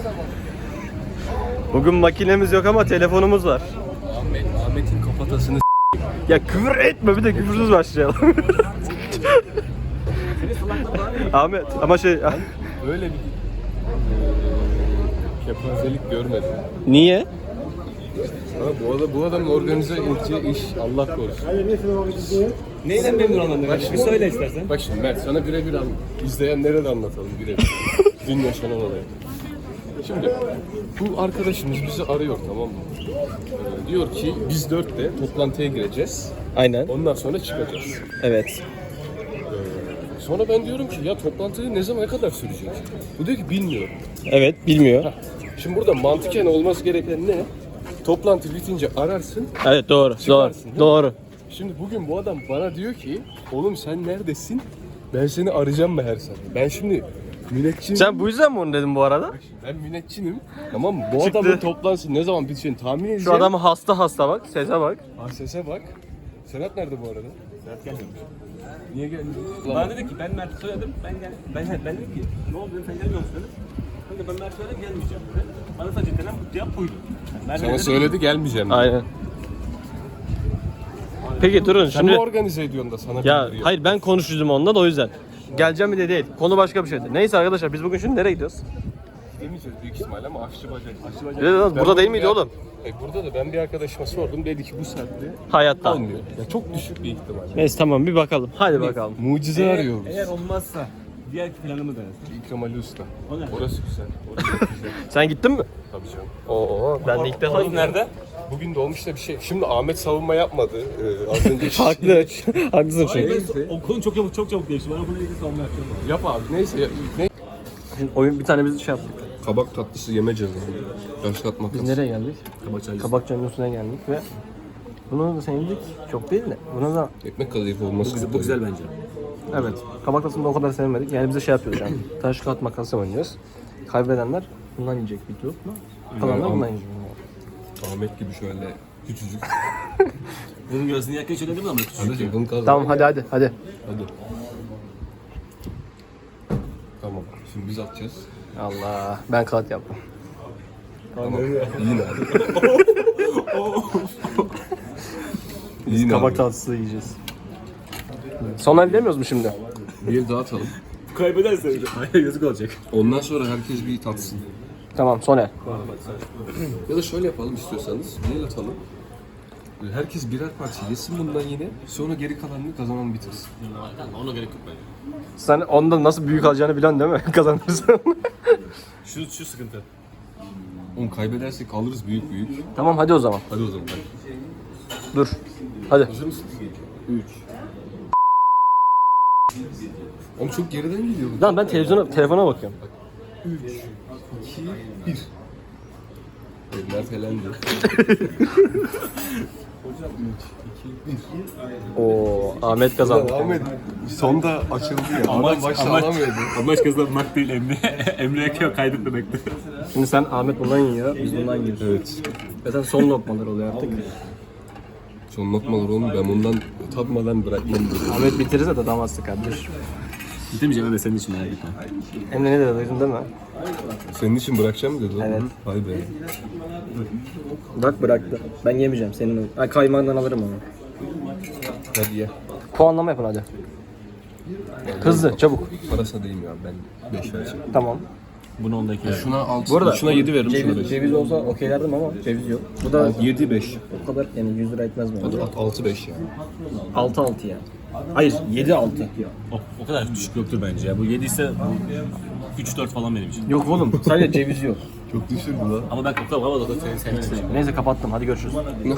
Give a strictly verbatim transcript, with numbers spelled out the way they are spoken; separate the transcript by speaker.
Speaker 1: Bugün makinemiz yok ama telefonumuz var.
Speaker 2: Ahmet, Ahmet'in kafatasını
Speaker 1: Ya küfür etme, bir de küfürsüz başlayalım. Ahmet ama şey...
Speaker 2: böyle bir kepazelik görmedim.
Speaker 1: Niye?
Speaker 2: Ha, bu, adam, bu adamın organize edeceği iş Allah korusun.
Speaker 3: Neyden memnun olmadın? Bir söyle istersen.
Speaker 2: Bak şimdi Mert sana birebir an, izleyenlere de anlatalım birebir. Dün yaşanan olayı. Şimdi bu arkadaşımız bizi arıyor, tamam mı? Ee, diyor ki biz dörtte toplantıya gireceğiz.
Speaker 1: Aynen.
Speaker 2: Ondan sonra çıkacağız.
Speaker 1: Evet.
Speaker 2: Sonra ben diyorum ki ya toplantı ne zaman, ne kadar sürecek? Bu diyor ki bilmiyorum.
Speaker 1: Evet, bilmiyor.
Speaker 2: Şimdi burada mantıken olması gereken ne? Toplantı bitince ararsın.
Speaker 1: Evet, doğru. Doğru.
Speaker 2: Çıkarsın, değil mi?
Speaker 1: Doğru.
Speaker 2: Şimdi bugün bu adam bana diyor ki oğlum sen neredesin? Ben seni arayacağım mı her saat? Ben şimdi müneccim.
Speaker 1: Sen bu yüzden mi onu dedin bu arada?
Speaker 2: Ben müneccimim. Tamam mı? Bu
Speaker 1: Çıktı.
Speaker 2: adamın toplantısı ne zaman biteceğini tahmin edeceğim.
Speaker 1: Şu adam hasta hasta bak. Sese bak.
Speaker 2: Ha, sese bak. Serhat nerede bu arada?
Speaker 3: Serhat gelmemiş.
Speaker 2: Niye gelmedi?
Speaker 3: Bana dedi ki ben Mert'i söyledim, ben gel, ben, ben dedim ki ne oldu dedim, sen gelmiyor musun dedim. Kanka ben Mert'i söyledim, gelmeyeceğim dedi. Bana sadece denen bu cevap buydu. Yani Mert'e
Speaker 2: Sana
Speaker 3: dedim,
Speaker 2: söyledi gelmeyeceğim. dedi.
Speaker 1: Aynen. Peki durun
Speaker 2: Sen
Speaker 1: şimdi.
Speaker 2: mi organize ediyorsun da sana
Speaker 1: Ya
Speaker 2: bildiriyor?
Speaker 1: hayır, ben konuşucum onunla da o yüzden. Geleceğim mi de değil. Konu başka bir şeydi. Neyse arkadaşlar, biz bugün şimdi nereye gidiyoruz?
Speaker 2: Demeyeceğiz büyük ihtimalle ama aşçı bacak. Aşçı bacak.
Speaker 1: Evet, burada değil miydi oğlum?
Speaker 2: E, burada da ben bir arkadaşıma sordum, dedi ki bu saatte
Speaker 1: Hayatta.
Speaker 2: olmuyor. Ya çok düşük bir ihtimal.
Speaker 1: Neyse tamam, bir bakalım. Hadi bakalım.
Speaker 2: Mucize
Speaker 3: eğer,
Speaker 2: arıyoruz.
Speaker 3: eğer olmazsa diğer planımı denesin.
Speaker 2: İkram Ali Usta.
Speaker 3: O ne?
Speaker 2: Orası güzel. Orası güzel.
Speaker 1: Sen gittin mi?
Speaker 2: Tabii canım.
Speaker 1: Oo, ben de ilk defa
Speaker 3: Orası nerede?
Speaker 2: Bugün de olmuş da bir şey. Şimdi Ahmet savunma yapmadı. Ee, az önce
Speaker 1: Haklı. Haklısın
Speaker 3: Hayır,
Speaker 1: çünkü.
Speaker 3: ben, o konu çok çabuk çok çabuk değişti. Ben o konuda ilgili savunma yapacağım.
Speaker 2: Yap abi. Neyse. Ya, ne?
Speaker 1: Şimdi oyun bir tane biz şey yaptık.
Speaker 2: Kabak tatlısı yeme cezası. Yaşlatmak.
Speaker 1: Biz nereye geldik?
Speaker 3: Kabak
Speaker 1: Kabakçı'nın üstüne geldik ve bunu da sevdik. Çok değil de. Buna da
Speaker 2: Ekmek kadayıf olması.
Speaker 3: Bu güzel bence.
Speaker 1: evet. Kabak tatlısını da o kadar sevmedik. Yani bize şey yapıyoruz yani. Taş kağıt makas oynuyoruz. Kaybedenler bundan yiyecek bir yok mu? Kalanlar bundan yiyecek.
Speaker 2: Ahmet gibi şöyle küçücük.
Speaker 3: Bunun gözünü yakın söyledim ama küçük.
Speaker 2: Kardeşim bunu kazan.
Speaker 1: Tamam hadi hadi hadi.
Speaker 2: Hadi. Tamam. Şimdi biz atacağız.
Speaker 1: Allah, ben kağıt yaptım.
Speaker 2: Tamam. Yine abi. Yine
Speaker 1: Kabak
Speaker 2: abi.
Speaker 1: tatlısı yiyeceğiz. Son el demiyoruz mu şimdi?
Speaker 2: Bir el daha atalım.
Speaker 3: Kaybederse hayır yazık olacak.
Speaker 2: Ondan sonra herkes bir tatsın.
Speaker 1: Tamam, son el.
Speaker 2: Ya da şöyle yapalım istiyorsanız. Bir el atalım. Herkes birer parça yesin bundan yine. Sonra geri kalanını kazanan bitirsin.
Speaker 3: Ona gerek yok bence.
Speaker 1: Sen onda nasıl büyük alacağını biliyorsun değil mi? Kazanırsın.
Speaker 3: Şu, şu sıkıntı.
Speaker 2: Onu kaybedersek kalırız büyük büyük.
Speaker 1: Tamam hadi o zaman.
Speaker 2: Hadi o zaman. Hadi.
Speaker 1: Dur. Hadi.
Speaker 2: Hazır mısın? üç. Oğlum çok geriden geliyor.
Speaker 1: Lan ben televizyona, telefona bakıyorum.
Speaker 2: üç, iki, bir. Evet, Mert elendi.
Speaker 1: Oo, Ahmet kazandı.
Speaker 2: Ahmet sonda açıldı ya. Adam başta alamıyordu.
Speaker 3: Amaç kazanmak değil Emre. Emre'ye kaydetmemekti.
Speaker 1: Şimdi sen Ahmet bundan yiyor, biz bundan yiyoruz.
Speaker 2: Evet.
Speaker 1: Zaten son lokmalar oluyor artık.
Speaker 2: Son lokmalar oğlum, ben bundan tatmadan bırakmam dedi.
Speaker 1: Ahmet bitirirse de damazdı kardeş.
Speaker 3: Bitemeyeceğim Emre senin için merak etme.
Speaker 1: Emre ne dedi duydun değil mi?
Speaker 2: Senin için bırakacağım mı dedi lan?
Speaker 1: Evet.
Speaker 2: Vay be.
Speaker 1: Bak bıraktı. Ben yemeyeceğim senin. Ay, kaymağından alırım onu.
Speaker 2: Hadi ye.
Speaker 1: Puanlama yapın hadi. Hızlı, çabuk.
Speaker 2: Parası değil ya, ben beş vereceğim.
Speaker 1: Tamam.
Speaker 3: Bunu ondaki.
Speaker 2: Şuna altı,
Speaker 1: Bu arada
Speaker 2: şuna yedi veririm, şuna
Speaker 1: ceviz,
Speaker 2: beş.
Speaker 1: ceviz olsa okeylerdim ama ceviz yok. Bu da
Speaker 2: yedi beş.
Speaker 1: o kadar yani yüz lira etmez mi?
Speaker 2: Hadi at altı beş ya.
Speaker 1: altı altı ya. Hayır yedi altı.
Speaker 3: O, o kadar düşük yoktur bence ya. Bu yedi ise üç dört falan benim için.
Speaker 1: Yok oğlum sadece ceviz yok.
Speaker 2: Çok düşürdü lan.
Speaker 3: Ama ben kokla ama da seni sevmedim.
Speaker 1: Neyse kapattım, hadi görüşürüz.